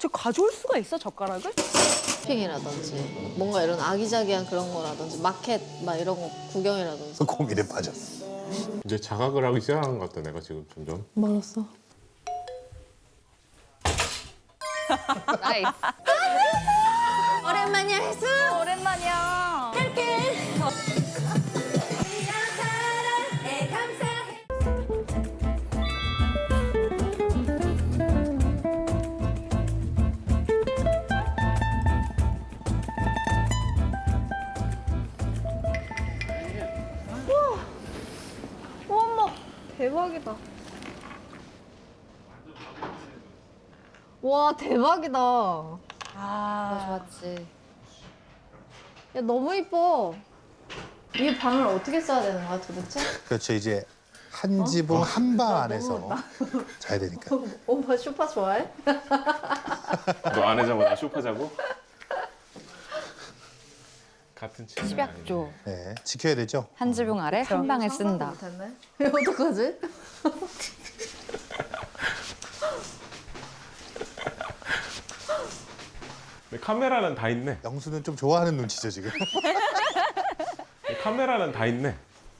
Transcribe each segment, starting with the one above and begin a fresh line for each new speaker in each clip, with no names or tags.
저 가져올 수가 있어, 젓가락을?
쇼핑이라든지 뭔가 이런 아기자기한 그런 거라든지 마켓 막 이런 거 구경이라든지.
고민에 빠졌어.
이제 자각을 하기 시작한 것 같다 내가 지금 점점.
맞았어.
나이스.
오랜만이야 혜수.
오랜만이야.
어머 대박이다. 와 대박이다. 좋았지. 야 너무 이뻐. 이 방을 어떻게 써야 되는 거야 도대체?
그렇죠. 이제 한 지붕 한 방 안에서 자야 되니까.
오빠 쇼파 좋아해?
너 안 해자고 나 쇼파 자고? 같은 침대.
집약조.
네, 지켜야 되죠.
한 지붕 아래 한 방에 쓴다.
못했네. 어떡하지?
카메라는 다 있네.
영수는 좀 좋아하는 눈치죠 지금.
카메라는 다 있네.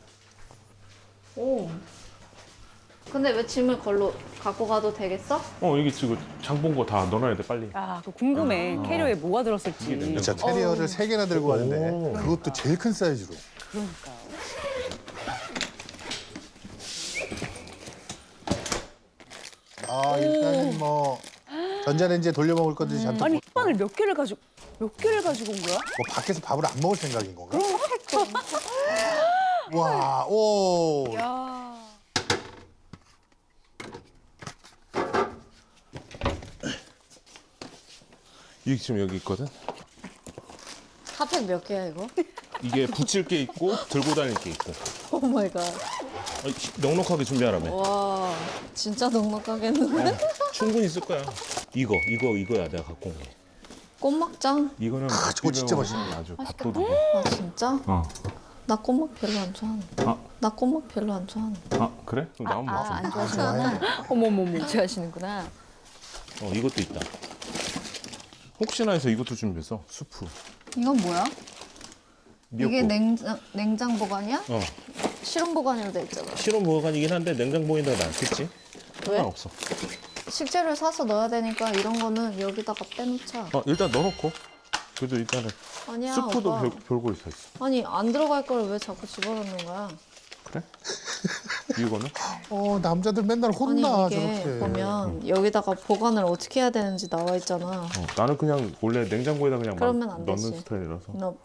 오. 근데 왜 짐을 걸로 갖고 가도 되겠어?
여기 지금 장 본 거 다 넣어놔야 돼 빨리.
아, 그거 궁금해. 캐리어에 뭐가 들었을지.
이게 냉장고.
진짜 캐리어를 3개나 들고 왔는데
오.
그것도 제일 큰 사이즈로.
그러니까요.
아 일단은 뭐 전자레인지에 돌려 먹을 것들이 잔뜩.
아니, 햇반을 몇 개를 가지고 온 거야?
뭐 밖에서 밥을 안 먹을 생각인 건가? 와, 오.
야.
이게 지금 여기 있거든.
핫팩 몇 개야 이거?
이게 붙일 게 있고 들고 다닐 게 있고.
오 마이 갓.
넉넉하게 준비하라며.
와 진짜 넉넉하겠는데?
충분히 쓸 거야. 이거야 내가 갖고 온 게.
꽃막장?
이거는
저거 진짜 맛있네.
아주 밥도둑이.
아 진짜? 나 꽃막 별로 안 좋아하는데.
아.
나 꽃막 별로 안 좋아하는데.
그래? 그럼 나만 먹어.
안
좋아해.
좋아하시는구나. 어머머머. 좋아하시는구나.
이것도 있다. 혹시나 해서 이것도 준비했어. 수프.
이건 뭐야?
미역국.
이게 냉장 보관이야? 실온 보관으로 돼 있잖아.
실온 보관이긴 한데 냉장고에다가 놨겠지?
왜?
상관없어.
식재료를 사서 넣어야 되니까 이런 거는 여기다가 빼놓자.
일단 넣어놓고. 그래도 일단은
아니야
수프도
오빠.
별거 다 있어.
아니 안 들어갈 걸 왜 자꾸 집어넣는 거야?
그래? 이거는?
남자들 맨날 혼나
아니 이게
저렇게.
보면 여기다가 보관을 어떻게 해야 되는지 나와 있잖아.
나는 그냥 원래 냉장고에다 그냥 막
그러면 안
넣는
되지.
스타일이라서.
너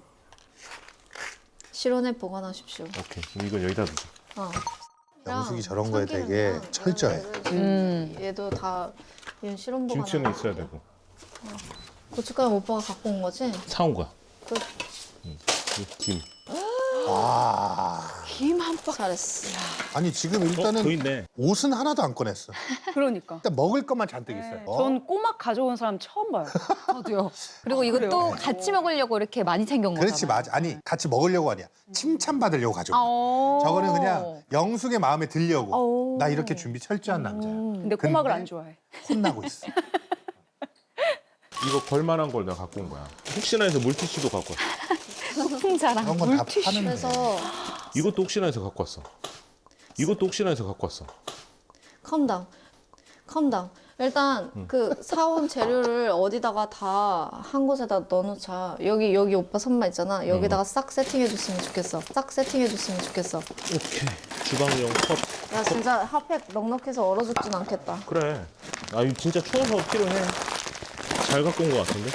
실온에 보관하십시오.
오케이. 그럼 이건 여기다 두자.
영숙이 저런 거에 되게 철저해.
얘도 다 얘는 실온 보관.
김치는 있어야 되고.
고춧가루 오빠가 갖고 온 거지?
사온 거야.
그
이 김.
김 한 박.
잘했어.
아니 지금 일단은
더 있네.
옷은 하나도 안 꺼냈어.
그러니까.
일단 먹을 것만 잔뜩 있어요.
전 꼬막 가져온 사람 처음 봐요.
저도요. 그리고 이것도 같이 먹으려고 이렇게 많이 챙겨온 거잖아요.
그렇지 맞아. 아니 같이 먹으려고 아니야. 칭찬받으려고 가져온 거야.
어.
저거는 그냥 영숙의 마음에 들려고.
어.
나 이렇게 준비 철저한 남자야.
근데 꼬막을
근데
안 좋아해.
혼나고 있어.
이거 걸만한 걸 내가 갖고 온 거야. 혹시나 해서 물티슈도 갖고 왔어.
풍자랑
그런 건 다
물티슈.
파는데.
그래서
이것도 혹시나 해서 갖고 왔어. 이것도 혹시나 해서 갖고 왔어.
컴다운. 일단 그 사온 재료를 어디다가 다 한 곳에다 넣어놓자. 여기 오빠 선반 있잖아. 여기다가 싹 세팅해줬으면 좋겠어.
오케이. 주방용 컵.
야 진짜 핫팩 넉넉해서 얼어 죽진 않겠다.
그래. 이거 진짜 추워서 필요해. 잘 갖고 온 거 같은데?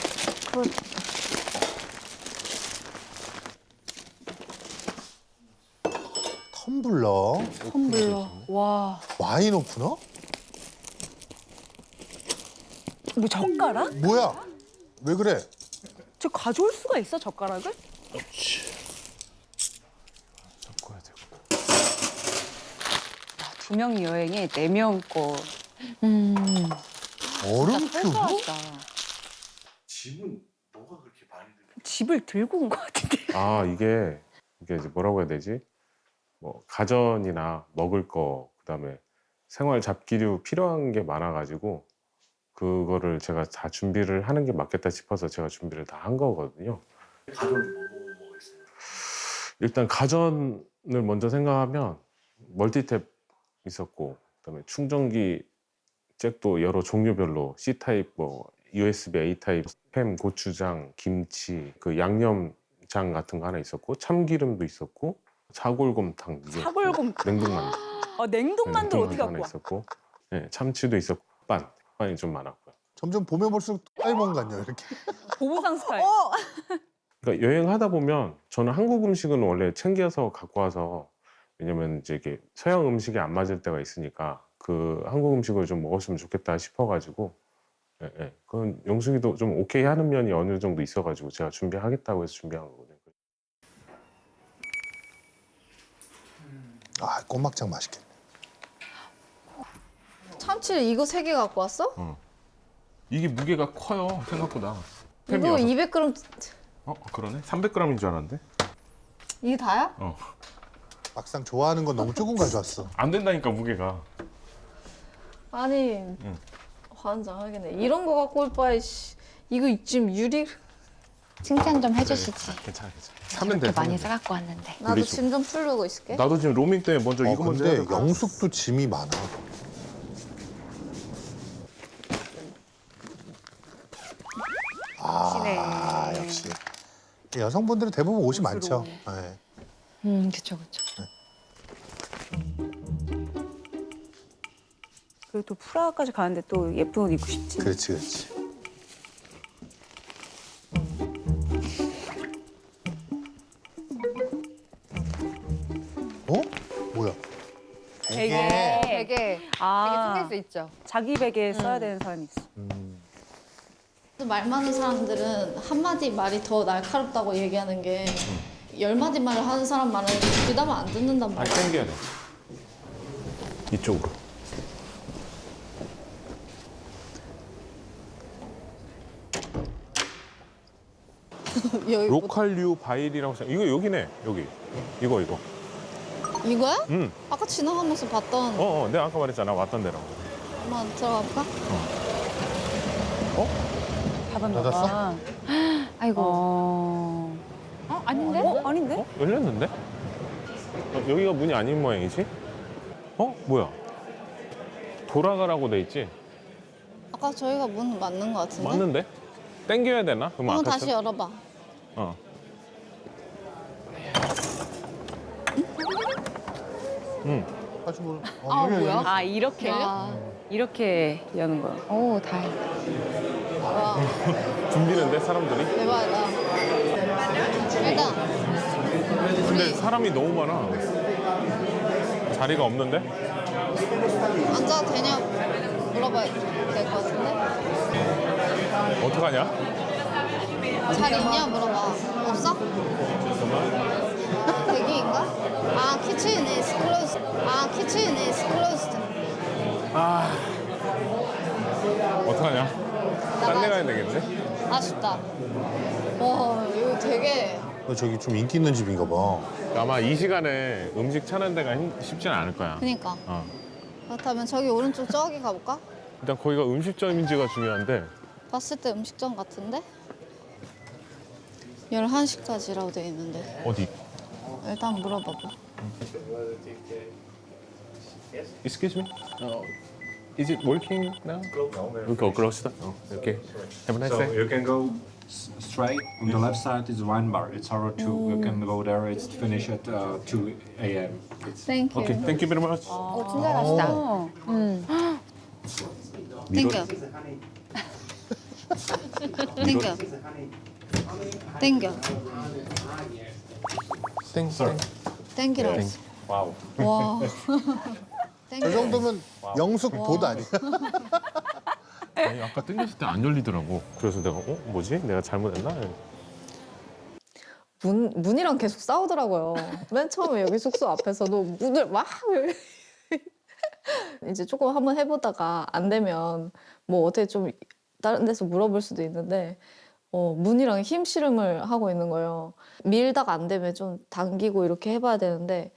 텀블러,
와.
와인 오프너?
뭐 젓가락?
뭐야? 왜 그래?
저 가져올 수가 있어, 젓가락을?
섞어야 되고.
2명 여행에 4명 거.
얼음 큐브?
소소하다.
집은 뭐가 그렇게 많이 들어?
집을 들고 온 것 같은데.
이게 이제 뭐라고 해야 되지? 뭐 가전이나 먹을 거, 그다음에 생활 잡기류 필요한 게 많아가지고
그거를 제가 다 준비를 하는 게 맞겠다 싶어서 제가 준비를 다 한 거거든요. 일단 가전을 먼저 생각하면 멀티탭 있었고, 그다음에 충전기 잭도 여러 종류별로 C 타입, 뭐 USB A 타입, 햄, 고추장, 김치, 그 양념장 같은 거 하나 있었고, 참기름도 있었고, 사골곰탕, 이게
사골곰.
냉동만두,
냉동만두 어떻게
하나
갖고 와?
있었고, 네, 참치도 있었고, 빵이 좀 많았고요.
점점 보면 볼수록 딸몬 같네요. 이렇게.
보부상 스타일.
그러니까 여행하다 보면 저는 한국 음식은 원래 챙겨서 갖고 와서, 왜냐면 이제 이게 서양 음식이 안 맞을 때가 있으니까 그 한국 음식을 좀 먹었으면 좋겠다 싶어가지고, 예, 예. 그건 영숙이도 좀 오케이 하는 면이 어느 정도 있어가지고 제가 준비하겠다고 해서 준비한 거거든요.
아, 꼬막장 맛있겠네.
참치를 이거 3개 갖고 왔어?
이게 무게가 커요 생각보다.
이거 200g
그러네. 300g인 줄 알았는데.
이게 다야?
막상 좋아하는 건 너무 조금 가져왔어.
안 된다니까 무게가.
아니 환장하겠네. 이런 거 갖고 올 바에 이거 지금 유리.
칭찬 좀 해주시지.
괜찮아. 사면 돼.
이렇게 많이
사면 돼.
싸갖고 왔는데.
나도
우리 좀-
짐 좀 풀고 있을게.
나도 지금 로밍 때문에 먼저 이거 먼저 해야
근데
될
영숙도 짐이 많아. 아,
시네.
역시. 여성분들은 대부분 옷이 많죠.
옷으로.
네.
그쵸.
그리고 또 프라하까지 가는데 또 예쁜 옷 입고 싶지.
그렇지, 그렇지. 어? 뭐야?
베개.
되게
아,
숨길 수 있죠.
자기 베개에 써야 되는 사람이 있어.
말 많은 사람들은 한마디 말이 더 날카롭다고 얘기하는 게 10마디 말을 하는 사람 말은 귀담아 안 듣는단
아니,
말이야.
당겨야 돼. 이쪽으로.
여기 뭐-
로컬류 바일이라고 생각. 이거 여기네. 여기. 이거.
이거야?
응.
아까 지나가면서 봤던
내가 아까 말했잖아. 왔던 데라고.
한번 들어가 볼까?
닫았나
닫았어?
봐.
아이고. 아닌데?
아닌데?
열렸는데? 여기가 문이 아닌 모양이지? 뭐야? 돌아가라고 돼 있지?
아까 저희가 문 맞는 것 같은데?
맞는데? 땡겨야 되나? 그럼
한번
아까
다시 열어봐.
다시 뭐?
뭐야?
아, 이렇게.
와,
이렇게 여는 거야.
오, 다행이다.
와
붐비는데 사람들이?
대박이다. 일단
근데 사람이 너무 많아. 자리가 없는데?
앉아도 되냐 물어봐야 될 것 같은데?
어떡하냐?
자리 있냐 물어봐. 없어? 대기인가? 아, kitchen is closed. 아, kitchen is closed.
어떡하냐? 딴 데 가야 되겠네?
아쉽다. 와, 이거 되게
저기 좀 인기 있는 집인가 봐.
아마 이 시간에 음식 찾는 데가 쉽지는 않을 거야.
그니까.
어.
그렇다면 저기 오른쪽 저기 가볼까?
일단 거기가 음식점인지가 중요한데
봤을 때 음식점 같은데? 11시까지라고 돼 있는데
어디?
일단 물어봐봐.
Excuse me? Is it working now? We go close. Okay. Have a nice
So
day.
you can go straight. On the left side is wine bar. It's hour 2. You can go there. It's finished at 2 a.m. It's
땡큐.
Okay. Thank you very much.
오, 친절하시다.
땡큐. 땡큐. 땡큐. 땡큐라고 했어.
wow.
와.
저
땡큐.
정도면 영숙 보드 아니야?
아니, 아까 땡겼을 때 안 열리더라고. 그래서 내가 뭐지? 내가 잘못했나?
문이랑 계속 싸우더라고요. 맨 처음에 여기 숙소 앞에서도 문을 막 이제 조금 한번 해보다가 안 되면 뭐 어떻게 좀 다른 데서 물어볼 수도 있는데 문이랑 힘 씨름을 하고 있는 거예요. 밀다가 안 되면 좀 당기고 이렇게 해봐야 되는데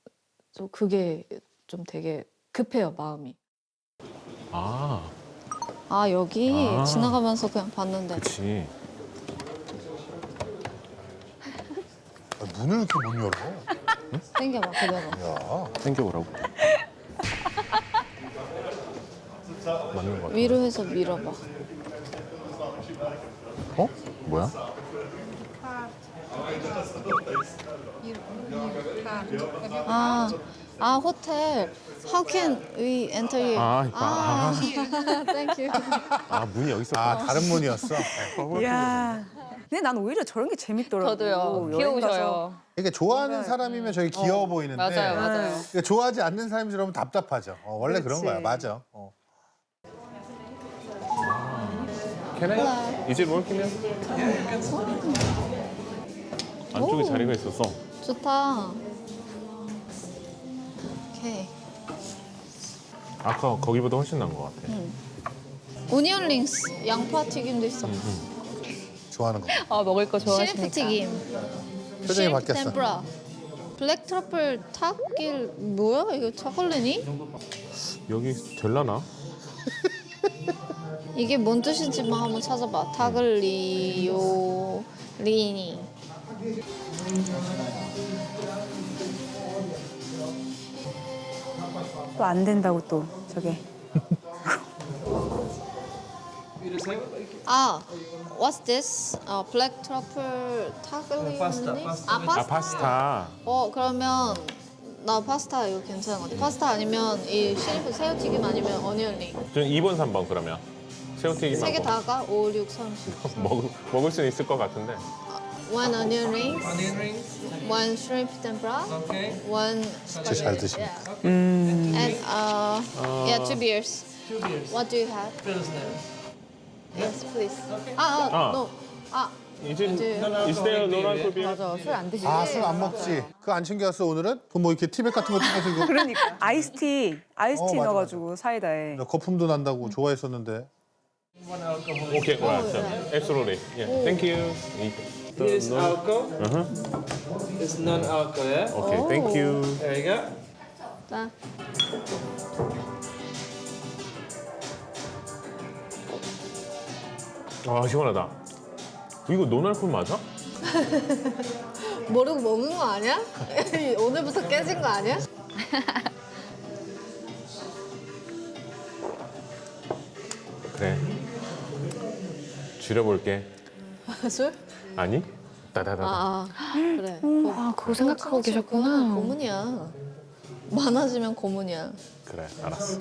좀 그게 좀 되게 급해요, 마음이.
아,
아 여기
아.
지나가면서 그냥 봤는데.
그치.
문을 이렇게 못 열어.
땡겨봐 그대로.
야.
당겨보라고. 맞는 거 같아.
위로 해서 밀어봐.
어? 뭐야?
아 호텔. How can we enter here? Thank you.
아, 문이 여기 있었구나.
아 다른 문이었어.
이야. 근데 난 오히려 저런 게 재밌더라고.
저도요.
여행 가서.
귀여우셔요.
이게 좋아하는 사람이면 저기 귀여워 보이는데
맞아요, 맞아요.
그러니까 좋아하지 않는 사람들은 답답하죠. 원래 그런
그렇지.
거야. 맞아.
Can I? Is it working now? 안쪽에 자리가 있었어.
좋다. 오케이.
아까 거기보다 훨씬 나은 것 같아.
오니언 링스 양파 튀김도 있어.
좋아하는 거.
아 먹을 거
셰프
좋아하시니까.
튀김.
표정이
셰프
바뀌었어.
템프라. 블랙 트러플 탁길 뭐야 이거 초콜릿이?
여기 될라나?
이게 뭔 뜻인지만 한번 찾아봐. 타글리오 리니.
또 안 된다고 또 저게.
아, what's this? 블랙 트러플 타글리오 리니? 아 파스타.
아, 파스타.
그러면 나 파스타 이거 괜찮은 것 같아. 파스타 아니면 이 셰프 새우튀김 아니면 어니언 링.
전 2번, 3번 그러면. 새우튀김
세 개
하고.
다가 5, 6, 30.
먹을 수는 있을 것 같은데.
One onion rings, one shrimp tempura, one
진짜 잘 드시네.
and yeah, two beers. What do you have? Yes, please. No.
Is there no alcohol beer?
맞아, 술 안 드시지?
아 술 안 먹지. 그거 안 챙겨왔어 오늘은? 그럼 뭐 이렇게 티백 같은 거 챙겨서 이거
그러니까 아이스티
맞아,
넣어가지고 사이다에.
거품도 난다고 좋아했었는데.
Okay, alright. Absolutely. Yeah. Thank you.
Here is alcohol.
Uh-huh.
It's non-alcohol, yeah?
Okay, thank you.
There you go.
나
아, 시원하다. 이거 노날콜 맞아?
모르고 먹은 거 아니야? 오늘부터 깨진 거 아니야?
그래. 줄여볼게.
술?
아니? 따다다다.
그래.
아, 그거 생각하고 계셨구나.
고문이야. 많아지면 고문이야.
그래, 알았어.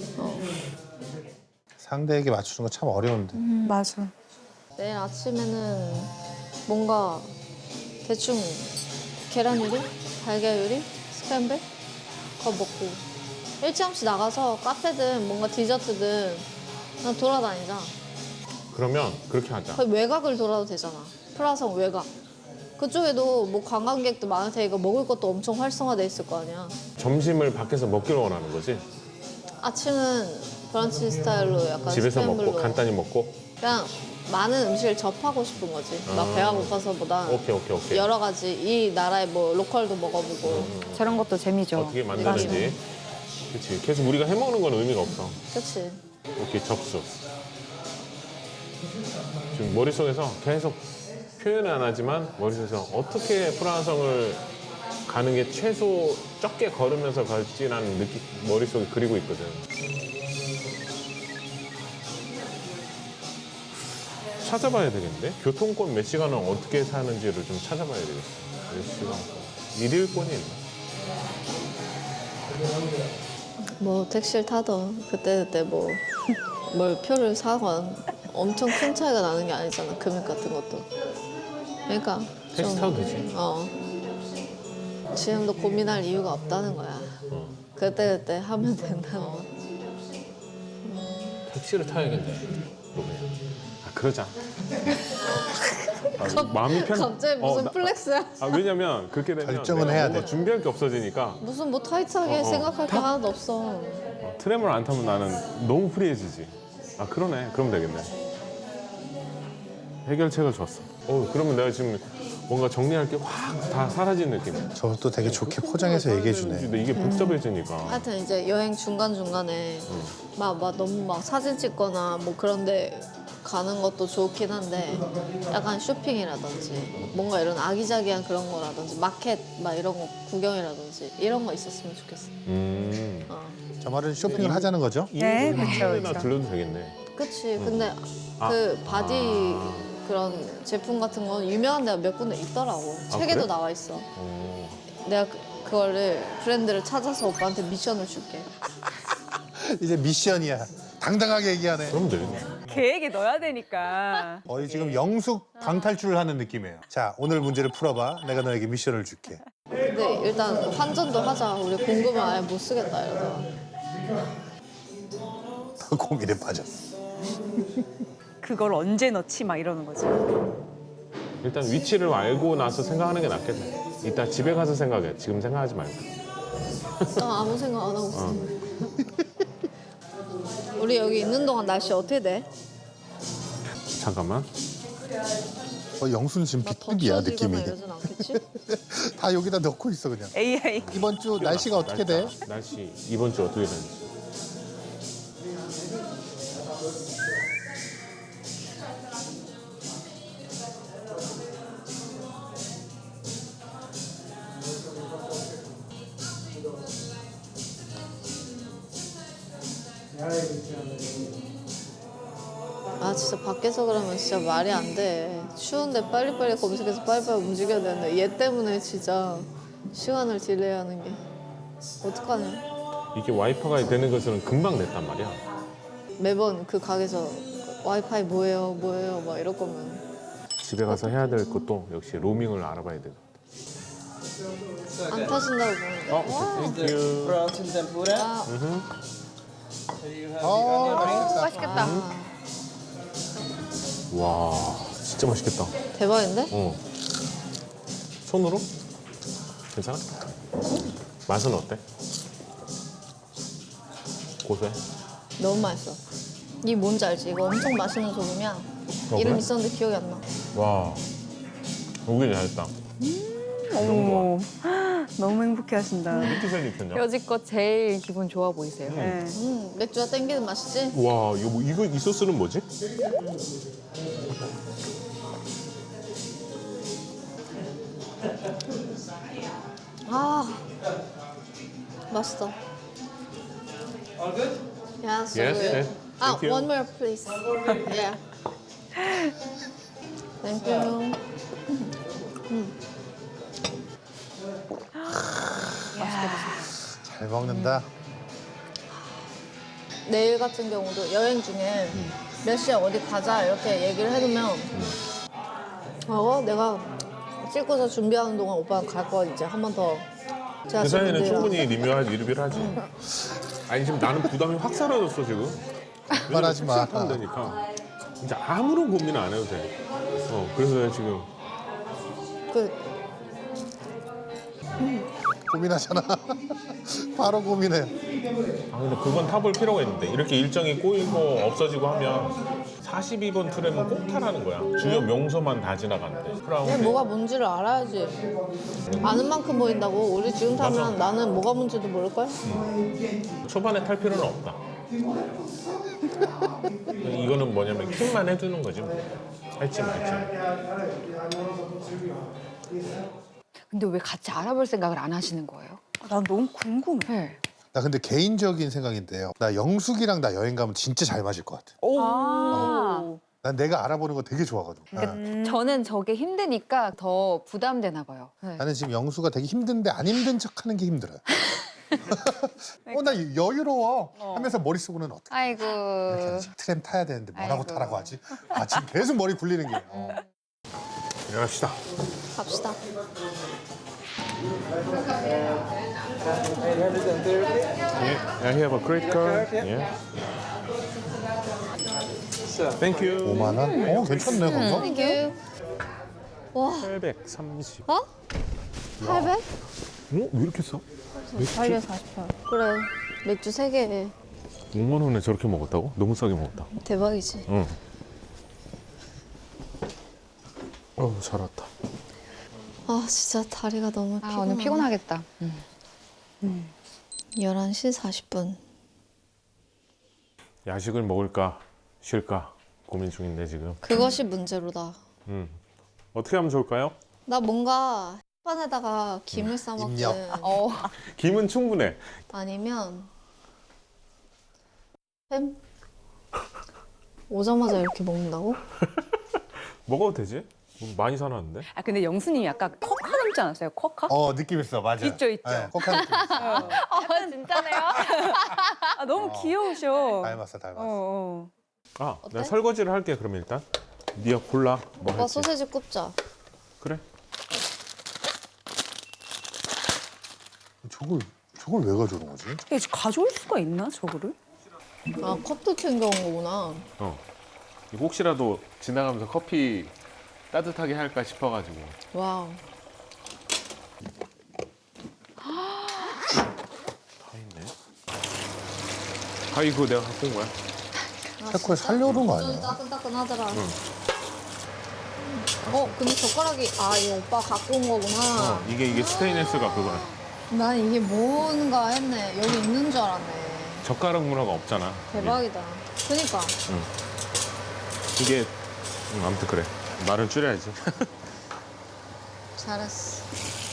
상대에게 맞추는 거 참 어려운데.
맞아.
내일 아침에는 뭔가 대충 계란 요리, 달걀 요리, 스크램블 그거 먹고 일찌감치 나가서 카페든 뭔가 디저트든 그냥 돌아다니자.
그러면 그렇게 하자.
거의 외곽을 돌아도 되잖아. 프라성 외곽. 그쪽에도 뭐 관광객도 많을 테니까 먹을 것도 엄청 활성화돼 있을 거 아니야.
점심을 밖에서 먹기를 원하는 거지?
아침은 브런치 스타일로 약간
집에서 먹고
스크램블로
간단히 먹고?
그냥 많은 음식을 접하고 싶은 거지. 막 배가 고파서보다
오케이.
여러 가지 이 나라의 뭐 로컬도 먹어보고.
저런 것도 재미죠.
어떻게 만드는지. 그치. 계속 우리가 해먹는 건 의미가 없어.
그치.
오케이, 접수. 지금 머릿속에서 계속 표현은 안 하지만 머릿속에서 어떻게 프라하성을 가는 게 최소 적게 걸으면서 갈지라는 느낌 머릿속에 그리고 있거든. 찾아봐야 되겠는데? 교통권 몇 시간은 어떻게 사는지를 좀 찾아봐야 되겠어. 몇 시간? 일일권이 있나?
뭐 택시를 타던 그때 뭐 뭘 표를 사건 엄청 큰 차이가 나는 게 아니잖아. 금액 같은 것도. 그러니까
택시 타도 되지.
지금도 고민할 이유가 없다는 거야. 그때 하면 된다는 거.
택시를 타야겠네. 너 그냥. 아, 그러자. 아, 마음이 편.
갑자기 무슨 플렉스야?
왜냐면 그렇게 되면
결정은
내가
해야
뭔가
돼.
준비할 게 없어지니까
무슨 뭐 타이트하게 생각할 게 하나도 없어.
트램을 안 타면 나는 너무 프리해지지. 아, 그러네. 그럼 되겠네. 해결책을 줬어. 그러면 내가 지금 뭔가 정리할 게 확 다 사라진 느낌이야.
저것도 되게 좋게 포장해서 얘기해 주네.
근데 이게 복잡해지니까.
하여튼 이제 여행 중간중간에 막 너무 막 사진 찍거나 뭐 그런데 가는 것도 좋긴 한데 약간 쇼핑이라든지 뭔가 이런 아기자기한 그런 거라든지 마켓 막 이런 거 구경이라든지 이런 거 있었으면 좋겠어.
저 말은 쇼핑을 하자는 거죠?
네,
나
그렇죠.
들려도 되겠네.
그치. 근데 그 바디 그런 제품 같은 건 유명한 데가 몇 군데 있더라고. 책에도
그래?
나와 있어.
어.
내가 그거를 브랜드를 찾아서 오빠한테 미션을 줄게.
이제 미션이야. 당당하게 얘기하네.
그럼 되겠네.
계획에 넣어야 되니까.
거의 지금 영숙 방탈출을 하는 느낌이에요. 자, 오늘 문제를 풀어봐. 내가 너에게 미션을 줄게.
근데 일단 환전도 하자. 우리 공금을 아예 못 쓰겠다 이러다가.
고민에 빠졌어.
그걸 언제 넣지 막 이러는 거지.
일단 위치를 알고 나서 생각하는 게 낫겠네. 이따 집에 가서 생각해. 지금 생각하지 말고.
나 아무 생각 안 하고 있어. 우리 여기 있는 동안 날씨 어떻게 돼?
잠깐만.
영수는 지금
막 더
비뚝이야
추워지거나
느낌이.
이러진 않겠지?
다 여기다 넣고 있어 그냥.
AI.
이번 주 날씨가 어떻게 돼?
날씨 이번 주 어떻게 되는지.
아 진짜 밖에서 그러면 진짜 말이 안 돼. 추운데 빨리빨리 검색해서 빨리빨리 움직여야 되는데 얘 때문에 진짜 시간을 딜레이하는 게 어떡하냐.
이게 와이파이가 되는 것은 금방 됐단 말이야.
매번 그 가게에서 와이파이 뭐예요 뭐예요 막 이럴 거면
집에 가서 해야 될 것도 역시 로밍을 알아봐야 돼.
안 타신다고 보는데.
땡큐.
Prawns in tempura.
아,
So you have the onion rings.
맛있겠다.
와, 진짜 맛있겠다.
대박인데?
손으로? 괜찮아? 맛은 어때? 고소해?
너무 맛있어. 이 뭔지 알지? 이거 엄청 맛있는 소금이야. 이름
그래?
있었는데 기억이 안 나.
와, 오길 잘했다.
어머, 너무 행복해하신다.
미트살 입혔냐?
여지껏 제일 기분 좋아 보이세요.
네.
맥주가 땡기는 맛이지?
와, 이거 이 소스는 뭐지?
아, 맛있어.
All good?
Yeah, so
Yes,
good.
yes.
Ah,
Thank you.
one more, please. Yeah. Thank you.
잘 먹는다.
내일 같은 경우도 여행 중에 몇 시에 어디 가자 이렇게 얘기를 해두면 내가 찍고서 준비하는 동안 오빠는 갈 거야 이제 한 번 더. 제가
그 사이에는
지금
충분히 리뷰를 하지. 아니 지금 나는 부담이 확 사라졌어 지금.
말하지 마.
하면 되니까. 진짜 아무런 고민 안 해도 돼. 그래서 내가 지금
그
고민하잖아. 바로 고민해.
근데 그건 타볼 필요가 있는데 이렇게 일정이 꼬이고 없어지고 하면 42번 트램은 꼭 타라는 거야. 주요 명소만 다 지나가는데.
그냥
크라운.
뭐가 뭔지를 알아야지. 아는 만큼 보인다고. 우리 지금 타면 나는 뭐가 뭔지도 모를걸?
초반에 탈 필요는 없다. 이거는 뭐냐면 킥만 해두는 거지 뭐. 할지 말지.
근데 왜 같이 알아볼 생각을 안 하시는 거예요?
난 너무 궁금해.
네.
나 근데 개인적인 생각인데요. 나 영숙이랑 나 여행 가면 진짜 잘 맞을 것 같아.
아.
난 내가 알아보는 거 되게 좋아하거든.
저는 저게 힘드니까 더 부담되나 봐요. 네.
나는 지금 영수가 되게 힘든데 안 힘든 척하는 게 힘들어요. 나 여유로워 하면서 머릿속으로는 어떻게
아이고.
트램 타야 되는데 뭐라고
아이고.
타라고 하지? 지금 계속 머리 굴리는 게.
일어납시다.
갑시다.
830.
Yeah, I have a credit card. Yeah.
So,
Thank you.
5만 원? 괜찮네 그거.
땡큐. 와,
830.
어? 800?
왜 이렇게 싸?
848. 그래. 맥주 3개.
5만 원에 저렇게 먹었다고? 너무 싸게 먹었다.
대박이지.
응. 잘 왔다.
아 진짜 다리가 너무
아,
피곤해.
오늘 피곤하겠다.
11시 40분.
야식을 먹을까 쉴까 고민 중인데 지금.
그것이 문제로다.
어떻게 하면 좋을까요?
나 뭔가 햇반에다가 김을 싸 먹든
입력.
김은 충분해.
아니면 햄? 오자마자 이렇게 먹는다고?
먹어도 되지? 많이 사놨는데.
아 근데 영수님이 약간 커카 닮지 않았어요? 커카?
느낌 있어, 맞아.
있죠, 있죠.
네, 코카 느낌 있어.
진짜네요?
아 너무 귀여우셔.
닮았어, 닮았어.
아,
어때?
내가 설거지를 할게 그러면 일단. 네가 골라. 뭐
오빠
할지.
소세지 굽자.
그래.
저걸 왜 가져오는 거지?
이게 가져올 수가 있나 저거를?
아 컵도 챙겨온 거구나.
이거 혹시라도 지나가면서 커피 따뜻하게 할까 싶어가지고.
와우.
다 있네. 아 이거 내가 갖고 온 거야.
태코에 살려오는 거 아니야?
따끈따끈하더라. 근데 젓가락이 이거 오빠 갖고 온 거구나.
이게 스테인레스가 그거야.
난 이게 뭔가 했네. 여기 있는 줄 알았네.
젓가락 문화가 없잖아.
대박이다. 그니까.
이게 아무튼 그래. 말을 줄여야지.
잘했어.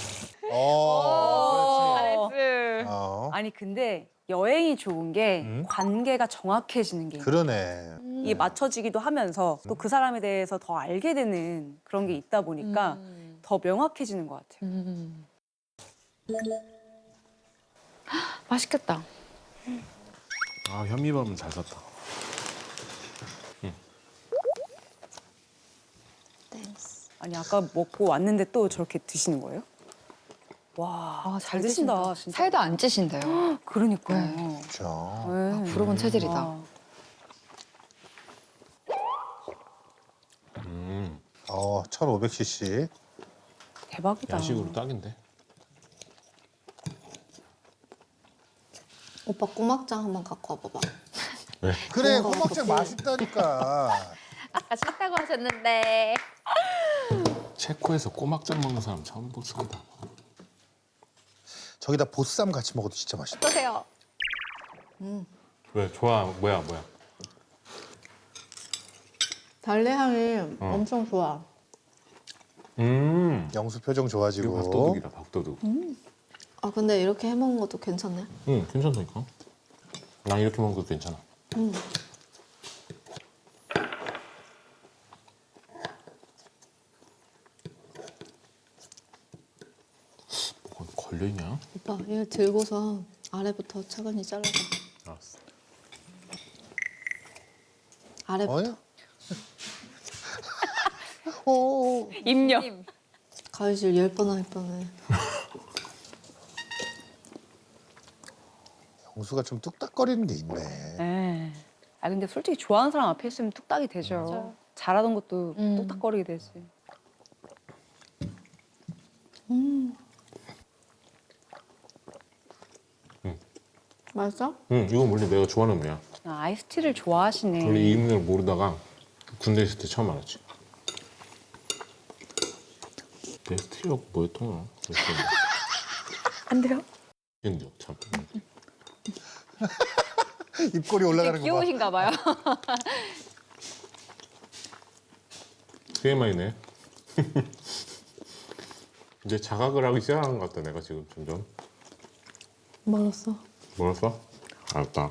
그렇지.
아니 근데 여행이 좋은 게 관계가 정확해지는 게 있는
그러네.
이게 맞춰지기도 하면서 또 그 사람에 대해서 더 알게 되는 그런 게 있다 보니까 더 명확해지는 것 같아요.
맛있겠다.
아 현미밥은 잘 샀다.
땡스.
아니 아까 먹고 왔는데 또 저렇게 드시는 거예요? 와, 잘 드신다. 진짜.
살도 안 찌신대요.
그러니까요.
그렇죠.
네.
부러운 체질이다.
와.
1500cc.
대박이다.
야식으로 딱인데.
오빠 꼬막장 한번 갖고 와봐봐.
그래, 꼬막장 맛있다니까.
아까 싫다고 하셨는데.
체코에서 꼬막장 먹는 사람 처음 봤습니다.
저기다 보쌈 같이 먹어도 진짜 맛있다.
어떠세요?
왜 좋아? 뭐야?
달래 향이 엄청 좋아.
영수 표정
이거
좋아지고.
밥도둑이다 밥도둑.
아 근데 이렇게 해 먹는 것도 괜찮네.
응 괜찮다니까. 난 이렇게 먹는 것도 괜찮아. 뭐가 걸려있냐?
오빠 이거 들고서 아래부터 차근히 잘라봐.
알았어.
아래부터.
오.
입력.
가위질 10번 할 뻔해.
영수가 좀 뚝딱거리는 게 있네.
네. 아 근데 솔직히 좋아하는 사람 앞에 있으면 뚝딱이 되죠. 잘하던 것도 뚝딱거리게 되지.
맛있어?
응 이건 원래 내가 좋아하는 음료야.
아, 아이스티를 좋아하시네.
원래 이 음료를 모르다가 군대 있을 때 처음 알았지. 베스트리가 뭐였던 거야?
안 돼요?
근데 참.
입꼬리 올라가는 거 봐.
귀여우신가 봐요.
TMI네. 이제 자각을 하기 시작한 것 같다 내가 지금 점점.
멀었어.
뭐였어? 알았다.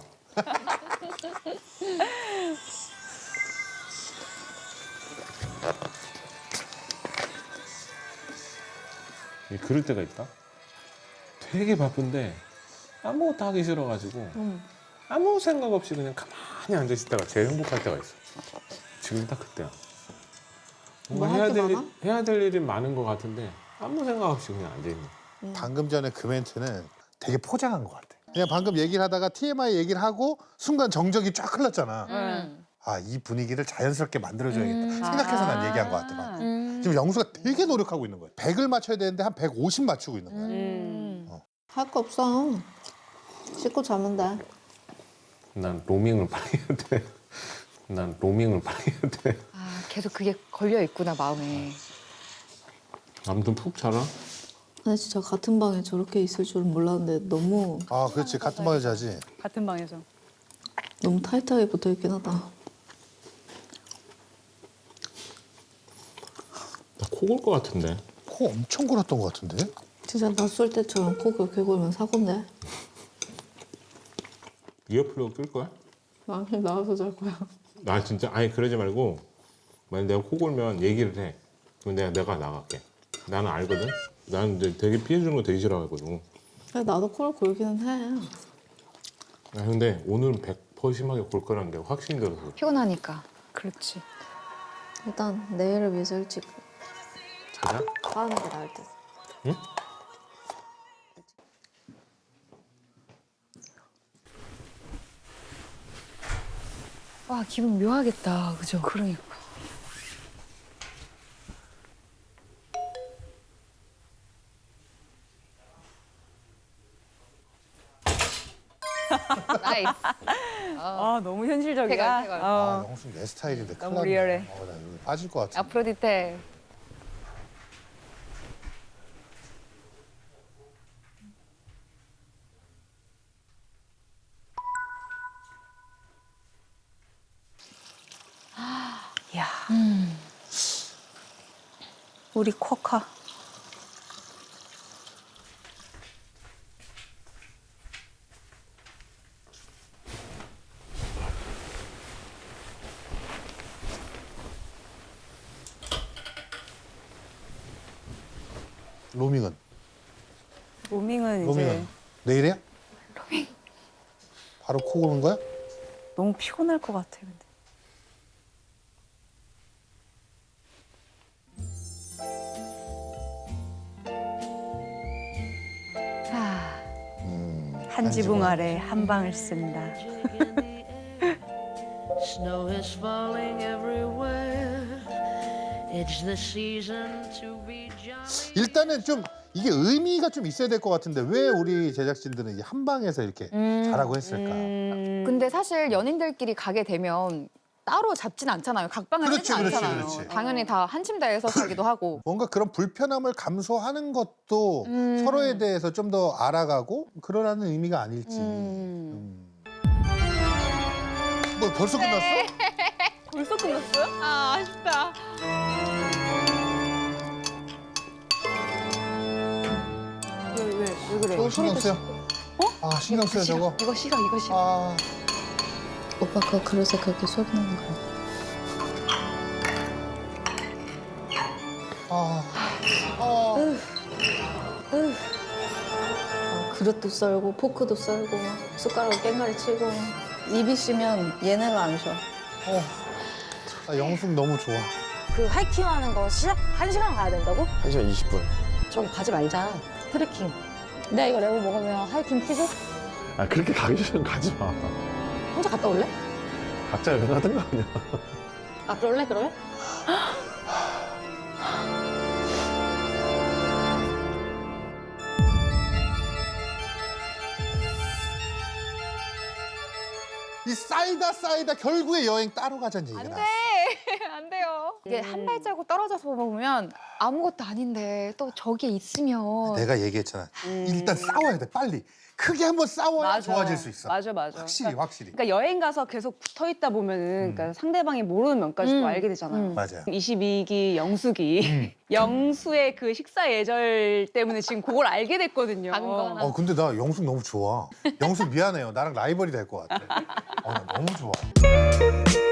그럴 때가 있다. 되게 바쁜데 아무것도 하기 싫어가지고 아무 생각 없이 그냥 가만히 앉아 있다가 제일 행복할 때가 있어. 지금 딱 그때야. 뭔가
뭐 할 게 많아?
해야 될 일이 많은 것 같은데 아무 생각 없이 그냥 앉아 있는.
방금 전에 그 멘트는 되게 포장한 것 같아. 그냥 방금 얘기를 하다가 TMI 얘기를 하고 순간 정적이 쫙 흘렀잖아. 아, 이 분위기를 자연스럽게 만들어줘야겠다. 생각해서 난 얘기한 것 같아. 방금. 지금 영수가 되게 노력하고 있는 거야. 100을 맞춰야 되는데 한 150 맞추고 있는 거야.
할 거 없어. 씻고 자면 돼.
난 로밍을 빨리 해야 돼. 난 로밍을 빨리 해야 돼.
아, 계속 그게 걸려 있구나, 마음에.
아무튼 푹 자라.
근데 진짜 같은 방에 저렇게 있을 줄은 몰랐는데 너무
아 그렇지 같은 방에 자지.
같은 방에서.
너무 타이트하게 붙어 있긴 하다.
나 코 골 것 같은데.
코 엄청 골았던 것 같은데.
진짜 낮술 때처럼 코 그렇게 골면 사고인데.
이어플러그 끌 거야?
나중에 나와서 잘 거야.
나 진짜 아니 그러지 말고 만약 내가 코 골면 얘기를 해. 그럼 내가 나갈게. 나는 알거든. 나는 이제 되게 피해주는 거 되게 싫어하거든.
나도 코를 골기는 해.
아, 근데 오늘은 100% 심하게 골 거라는 게 확신이 들어서.
피곤하니까.
그렇지.
일단 내일을 위해서 일찍
자자.
하는 게 나을 듯.
응?
와, 기분 묘하겠다. 그죠?
그러니까.
나이스.
아 너무 현실적이야.
태걸, 태걸.
아 영수 내 스타일인데 큰일
너무
났네.
리얼해.
나 여기 빠질 것 같아.
아프로디테.
야. 우리 쿼카.
로밍은
로밍은 이제
로밍은 내일이야? 로밍. 바로 코 고는 거야?
너무 피곤할 것 같아. 근데.
아,
한 지붕 아래 한 방을 쓴다.
Snow is falling everywhere. It's the season to be jolly.
일단은 좀 이게 의미가 좀 있어야 될 것 같은데 왜 우리 제작진들은 이 한 방에서 이렇게 자라고 했을까?
근데 사실 연인들끼리 가게 되면 따로 잡진 않잖아요. 각방을
그렇지,
쓰지
그렇지,
않잖아요.
그렇지.
당연히 다 한 침대에서 자기도 하고.
뭔가 그런 불편함을 감소하는 것도 서로에 대해서 좀 더 알아가고 그러라는 의미가 아닐지. 뭐 벌써 끝났어?
벌써 끝났어요?
아, 아쉽다.
왜 그래?
저거 신경 쓰여. 아 신경 쓰여 저거.
이거 싫어, 이거 싫어.
아
오빠 그 그릇에 그렇게 소리 나는 거야. 그릇도 썰고 포크도 썰고 숟가락으로 깽가리 치고 입이 쉬면 얘네가 안 쉬어.
나 영숙 너무 좋아.
그 하이킹하는 거 시작 1시간 가야 된다고?
1시간 20분.
저기 가지 말자. 트레킹. 내가 이거 레고 먹으면 하이킹 퀴즈?
아 그렇게 가기 싫으면 가지 마.
혼자 갔다 올래?
각자 여행하든가 그냥.
아 그럴래 그럴래?
이 쌓이다 결국에 여행 따로 가자는 얘기가
안 돼.
나왔어.
안 돼요. 이게 한 발자국 떨어져서 보면 아무것도 아닌데 또 저기 있으면
내가 얘기했잖아. 일단 싸워야 돼 빨리. 크게 한번 싸워야 좋아질 수 있어.
맞아.
확실히 확실히.
그러니까 여행 가서 계속 붙어 있다 보면은 그러니까 상대방이 모르는 면까지도 알게 되잖아요.
맞아요.
22기 영숙이 영수의 그 식사 예절 때문에 지금 그걸 알게 됐거든요.
방거나.
근데 나 영숙 너무 좋아. 영숙 미안해요. 나랑 라이벌이 될 것 같아. 나 너무 좋아.